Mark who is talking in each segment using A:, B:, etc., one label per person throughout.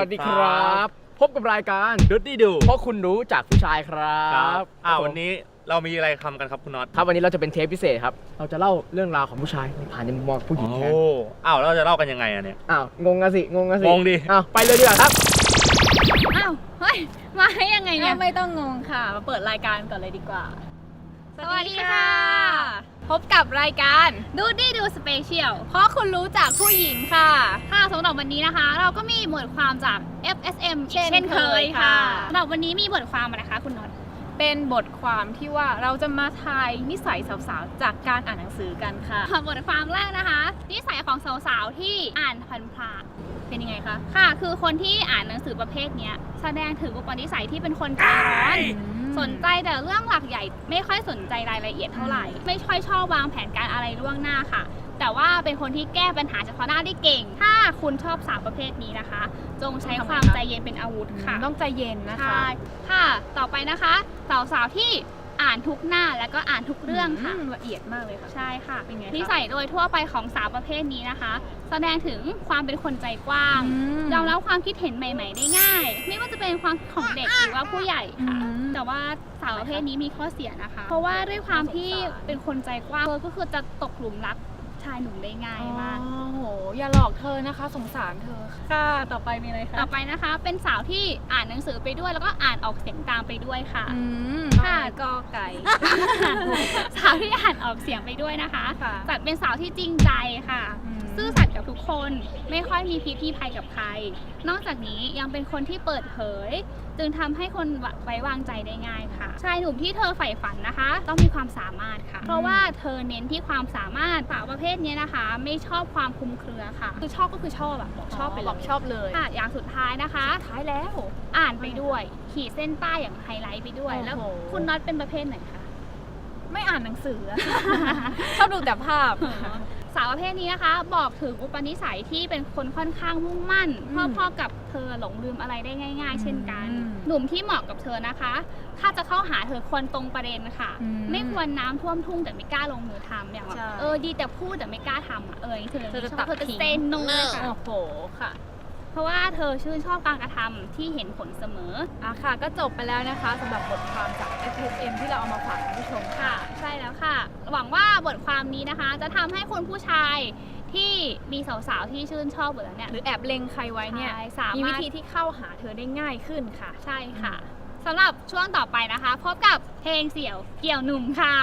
A: วัสดีครับพบกับรายการ
B: ดูดดี้ดู
A: เพราะคุณรู้จากผู้ชายครับ
B: วันนี้เรามีอะไรทำกันครับคุณน็อต
A: ครับวันนี้เราจะเป็นเทปพิเศษครับเราจะเล่าเรื่องราวของผู้ชายผ่านในมุมมองผู้หญิงแทน
B: เราจะเล่ากันยังไงอะเนี่ย
A: งงกันสิง
B: งดิ
A: ไปเลยดีกว่าครับ
C: เฮ้ยมาให้ยังไงเนี่ย
D: ไม่ต้องงงค่ะมาเปิดรายการก่อนเลยดีกว่า
C: สวัสดีค่ะพบกับรายการดูดี้ดูสเปเชียลเพราะคุณรู้จากผู้หญิงค่ะสำหรับวันนี้นะคะเราก็มีบทความจาก FSM เช่นเคยค่ะสำหรับวันนี้มีบทความอะไรคะคุณน็อต
D: เป็นบทความที่ว่าเราจะมาทายนิสัยสาวๆจากการอ่านหนังสือกันค่ะ
C: บทความแรกนะคะนิสัยของสาวๆที่อ่านพลานๆเป็นยังไงคะคือคนที่อ่านหนังสือประเภทนี้แสดงถึงอุปนิสัยที่เป็นคนใจร้อนสนใจแต่เรื่องหลักใหญ่ไม่ค่อยสนใจรายละเอียดเท่าไหร่ไม่ค่อยชอบวางแผนการอะไรล่วงหน้าค่ะแต่ว่าเป็นคนที่แก้ปัญหาเฉพาะหน้าได้เก่งถ้าคุณชอบสาวประเภทนี้นะคะจงใช้ความใจเย็นเป็นอาวุธค่ะ
D: ต้องใจเย็นนะคะ
C: ค่ะต่อไปนะคะสาวๆที่อ่านทุกหน้าแล้วก็อ่านทุกเรื่องค่ะ
D: ละเอียดมากเลยค่ะ
C: ใช่ค่ะ
D: เป็นไง
C: นิสัยโดยทั่วไปของสาวประเภทนี้นะคะแสดงถึงความเป็นคนใจกว้างยอมรับความคิดเห็นใหม่ๆได้ง่ายไม่ว่าจะเป็นความของเด็กหรือว่าผู้ใหญ่ค่ะแต่ว่าสาวประเภทนี้มีข้อเสียนะคะเพราะว่าด้วยความที่เป็นคนใจกว้างก็คือจะตกหลุมรักชายหนุ่มได้ง่ายมาก
D: โอ้โหอย่าหลอกเธอนะคะสงสารเธอค่ะต่อไปมีอะไรคะ
C: ต่อไปนะคะเป็นสาวที่อ่านหนังสือไปด้วยแล้วก็อ่านออกเสียงตามไปด้วยค่ะ
D: ค่ะกอไก่
C: สาวที่อ่านออกเสียงไปด้วยนะคะจัดเป็นสาวที่จริงใจค่ะซื่อสัตย์กับทุกคนไม่ค่อยมีพิษมีภัยกับใครนอกจากนี้ยังเป็นคนที่เปิดเผยจึงทำให้คนไว้วางใจได้ง่ายค่ะชายหนุ่มที่เธอใฝ่ฝันนะคะต้องมีความสามารถค่ะเพราะว่าเธอเน้นที่ความสามารถสาวประเภทนี้นะคะไม่ชอบความคลุมเครือค่ะคือชอบก็คือชอบบอกชอบไปเลย
D: บอกชอบเลย
C: ค่ะอย่างสุดท้ายนะคะ
D: ท้ายแล้ว
C: อ่านไปด้วยขีดเส้นใต้อย่างไฮไลท์ไปด้วยแล้วคุณน็อตเป็นประเภทไหนคะ
D: ไม่อ่านหนังสือชอบดูแต่ภาพ
C: สาวประเภทนี้นะคะบอกถึงอุปนิสัยที่เป็นคนค่อนข้างมุ่งมั่นพ่อกับเธอหลงลืมอะไรได้ง่ายๆเช่นกันหนุ่มที่เหมาะกับเธอนะคะถ้าจะเข้าหาเธอควรตรงประเด็นค่ะไม่ควรน้ำท่วมทุ่งแต่ไม่กล้าลงมือทำอย่างแบบดีแต่พูดแต่ไม่กล้าทำเธอจะเซนโนเลยค่ะ
D: โอ้โหค่ะ
C: เพราะว่าเธอชื่นชอบการกระทำที่เห็นผลเสมอ
D: ค่ะก็จบไปแล้วนะคะสำหรับบทความจาก FSM ที่เราเอามาฝากคุณผู้ชม
C: ค่ะใช่แล้วค่ะหวังว่าบทความนี้นะคะจะทำให้คุณผู้ชายที่มีสาวๆที่ชื่นชอบอยู่แล้วเนี่ย
D: หรือแอบเล็งใครไว้เนี่ยมีวิธีที่เข้าหาเธอได้ง่ายขึ้นค่ะ
C: ใช่ค่ะสำหรับช่วงต่อไปนะคะพบกับเพลงเสี่ยวเกี่ยวหนุ่มค่ะ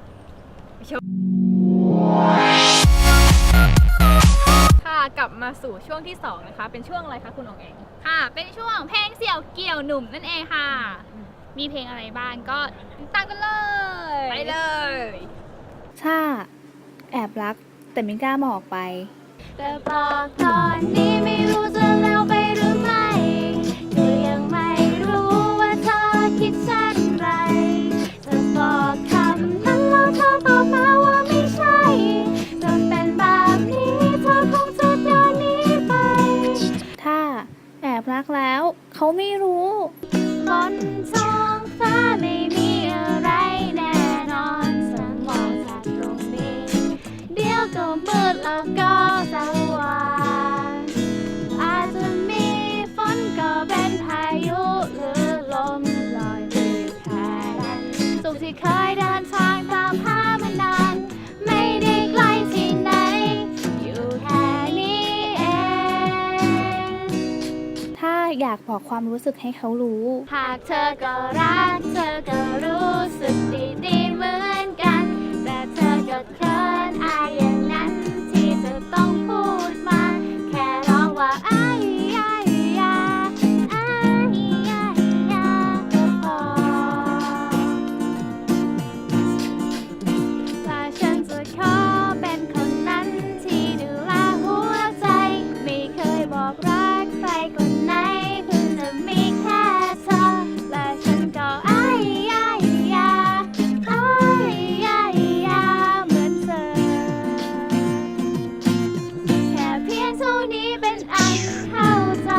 D: กลับมาสู่ช่วงที่2นะคะเป็นช่วงอะไรคะคุณองเอง
C: ค่ะเป็นช่วงเพลงเสี่ยวเกี่ยวหนุ่มนั่นเองค่ะมีเพลงอะไรบ้างก็ติดตามกันเลย
D: ไปเลย
E: ถ้าแอบรักแต่ไม่กล้าบอกไป
F: แต่บอกตอนนี้ไม่รู้จะแล้วไปหรือไม่ก็ยังไม่รู้ว่าเธอคิดเช่นไรจะบอกคำนั้นแล้วเธอตอบมาว่าไม่ใช่จะเป็นแบบนี้เธอคงจะเดินหนีไป
E: ถ้าแอบรักแล้วเขาไม่รู้
F: บนท้องฟ้าไม่มีอะไรแน่นอนฉันมองจากตรงนี้เดี๋ยวก็มืดแล้วก็สว่างอาจจะมีฝนก็เป็นพายุหรือลมลอยไปแค่นั้นสุขที่เคยเดินทางตามหามานานไม่ได้ไกลที่ไหนอยู่แค่นี้เอง
E: ถ้าอยากบอกความรู้สึกให้เขารู้
F: หากเธอก็รักเธอก็รู้สึกดีๆเหมือนกันแต่เธอก็เขินอายอย่างนั้นที่จะต้องพูดมาแค่ร้องว่าอ้ายอ้ายยาอ้ายยายาก็พอถ้าฉันจะขอเป็นคนนั้นที่ดูแลหัวใจไม่เคยบอกรักใครคนไหนเพิ่งจะมีแค่เธอและฉันก็อ้ายยายาอ้ายยายาเหมือนเธอแค่เพียงเท่านี้เป็นอันเข้าใจ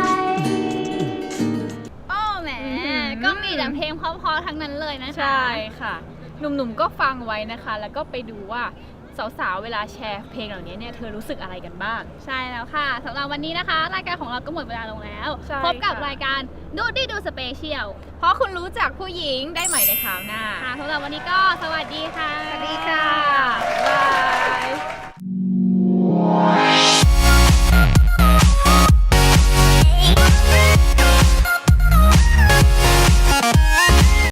C: โอ้แหมก็มีแต่เพลงเพราะๆทั้งนั้นเลยนะคะ
D: ใช่ค่ะหนุ่มๆก็ฟังไว้นะคะแล้วก็ไปดูว่าสาวๆเวลาแชร์เพลงเหล่านี้เนี่ยเธอรู้สึกอะไรกันบ้าง
C: ใช่แล้วค่ะสำหรับวันนี้นะคะ รายการของเราก็หมดเวลาลงแล้ว
D: ใช่
C: พบกับ
D: ค่ะ
C: รายการดูดีดูสเปเชียล
D: เพราะคุณรู้จักผู้หญิงได้ใหม่ในคราวหน้า
C: ค่ะสำหรับวันนี้ก็สวัสดีค่ะ
D: สวัสดีค่ะ บ๊ายบาย